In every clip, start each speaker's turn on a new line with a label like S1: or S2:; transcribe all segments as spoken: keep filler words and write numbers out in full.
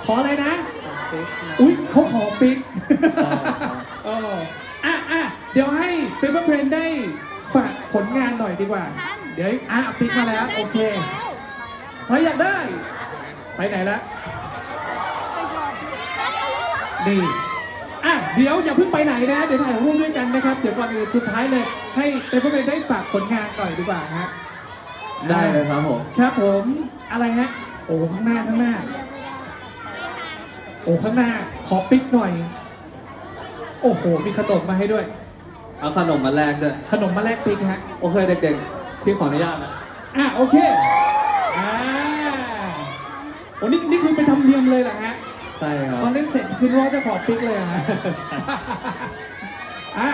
S1: ขออะไรนะอุ๊ยเขาขอปิ๊กเอออ่ะอ่ะเดี๋ยวให้เปเปอร์เพลนได้ฝากผลงานหน่อยดีกว่า เดี๋ยวอ่ะปิ๊กมาแล้วโอเคใครอยากได้ไปไหนละดีอ่ะเดี๋ยวอย่าเพิ่งไปไหนนะเดี๋ยวถ่ายรูปด้วยกันนะครับเดี๋ยวก่อนอื่นสุดท้ายเลยให้เปเปอร์เพลนได้ฝากผลงานหน่อยดีกว่าฮะ
S2: ได้เลยครับผม
S1: ครับผมอะไรฮะโอ้ข้างหน้าข้างหน้าโอ้ข้างหน้าขอปิ๊กหน่อยโอ้โหมีขนมมาให้ด้วย
S2: เอาขนมมาแลกด้วย
S1: ขนมมาแลกปิ๊กฮะ
S2: โอเคเด็กๆพี่ขออนุญาตนะ
S1: อ่ะโอเคอ่าโอ้นี่นี่คือเป็นธรรมเนียมเลยเหรอฮะ
S2: ใช่ครับ
S1: ตอนเล่นเสร็จคือว่าจะขอปิ๊กเลยฮะอ่ะ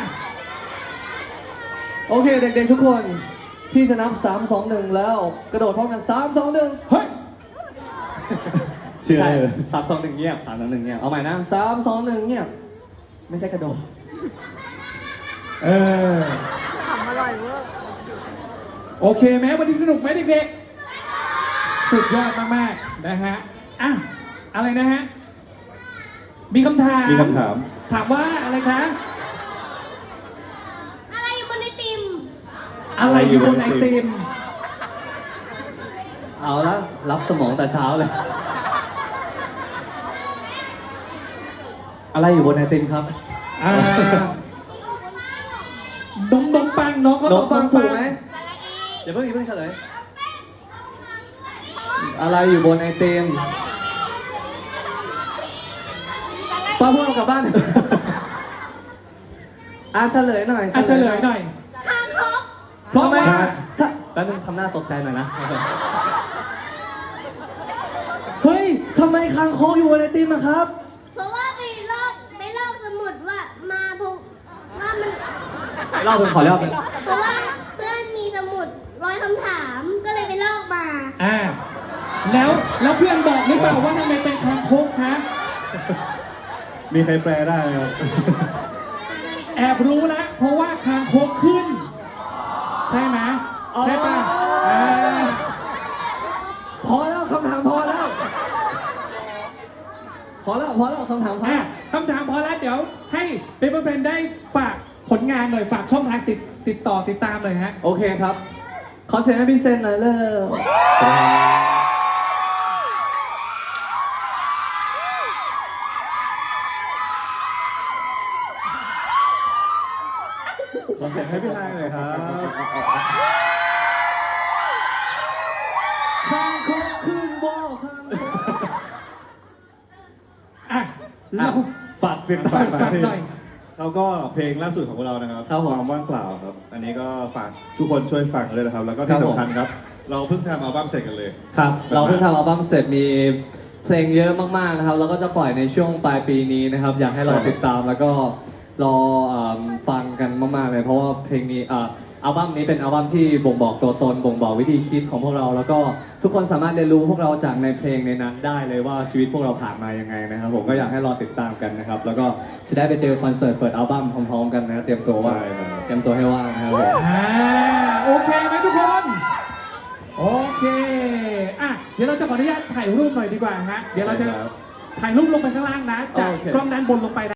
S2: โอเคเด็กๆทุกคนพี่จะนับสาม สอง หนึ่งแล้วกระโดดพร้อมกันสาม สอง หนึ่ง
S1: เฮ้ย
S2: เชื่อเลยสาม สอง หนึ่งเงียบสาม สอง หนึ่งเงียบเอาใหม่นะสาม สอง หนึ่งเงียบไม่ใช่กระโดด
S1: เออขำอร่อยเวอร์โอเคไหมวันนี้สนุกไหมเด็กๆสุดยอดมากๆนะฮะอ่ะอะไรนะฮะมีคำถาม
S3: มีคำถาม
S1: ถามว่าอะไรคะ
S4: อะไรอยู่บนไอติม
S1: อะไรอยู่บนไอติม
S2: เอาละรับสมองแต่เช้าเลยอะไรอยู่บนไอติมครับ
S1: อ่าดมดมปังน้องก็
S2: ดมปังถูกไหมอย่าเพิ่งอย่าเพิ่งเฉลยอะไรอยู่บนไอติมป้าพวกเรากลับบ้านอาเฉลยหน่อย
S1: อาเฉลยหน่อย
S4: คางคก
S1: เพราะว่า
S2: ถ้าแป๊บนึงทำหน้าตกใจหน่อยนะเฮ้ยทำไมคางคกอยู่บนไอติมอะครับ
S4: เพราะว่าไปลอกไปลอกสมุดว่ามาพงว่ามัน
S2: เล่าเป็นขอเล่าเป็น
S4: เพราะว่าเพื่อนมีสมุดร้อยคำถามก็เลยไปลอกมา
S1: อ่าแล้วแล้วเพื่อนบอกหรือเปล่าว่าทำไมเป็นคางคกฮะ
S3: มีใครแปลได้ไหมครับ
S1: แอบรู้แล้วเพราะว่าคางคกขึ้นใช่ไหมใช่ป่ะ
S2: พอแล้วคำถามพอแล้วพอแล้วพอแล้วคำถามพอ
S1: คำถามพอแล้วเดี๋ยวให้เปเปอร์เพลนได้ฝากผลงานหน่อยฝากช่องทางติดติดต่อติดตามเลยฮะ
S2: โอเคครับขอเสียงให้พี่เซนหน่อยเลย
S3: ขอเสียงให้พี่ไฮเลยครับ
S2: ข้างคกขึ้นบ่อข้าง
S1: อ่ะเรา
S3: ฝากติดตาม
S1: ฝากหน่อย
S3: แล้วก็เพลงล่าสุดของเรานะครับความว่างเปล่าครับอันนี้ก็ฝากทุกคนช่วยฟังเลยนะครับแล้วก็ที่สำคัญครับเราเพิ่งทำอัลบั้มเสร็จกันเลย
S2: ครับเราเพิ่งทำอัลบั้มเสร็จมีเพลงเยอะมากๆนะครับแล้วก็จะปล่อยในช่วงปลายปีนี้นะครับอยากให้เราติดตามแล้วก็รอฟังกันมากๆเลยเพราะว่าเพลงนี้อัลบั้มนี้เป็นอัลบั้มที่บ่งบอกตัวตนบ่งบอกวิธีคิดของพวกเราแล้วก็ทุกคนสามารถเรียนรู้พวกเราจากในเพลงในนั้นได้เลยว่าชีวิตพวกเราผ่านมายังไงนะครับผมก็อยากให้รอติดตามกันนะครับแล้วก็จะได้ไปเจอคอนเสิร์ตเปิดอัลบั้มพร้อมๆกันนะเตรียมตัวว่าเตรียมตัวให้ว่างนะครับผม
S1: อ่าโอเคไหมทุกคนโอเคอ่ะเดี๋ยวเราจะขออนุญาตถ่ายรูปหน่อยดีกว่าฮะเดี๋ยวเราจะถ่ายรูปลงไปข้างล่างนะจากกล้องด้านบนลงไปนะ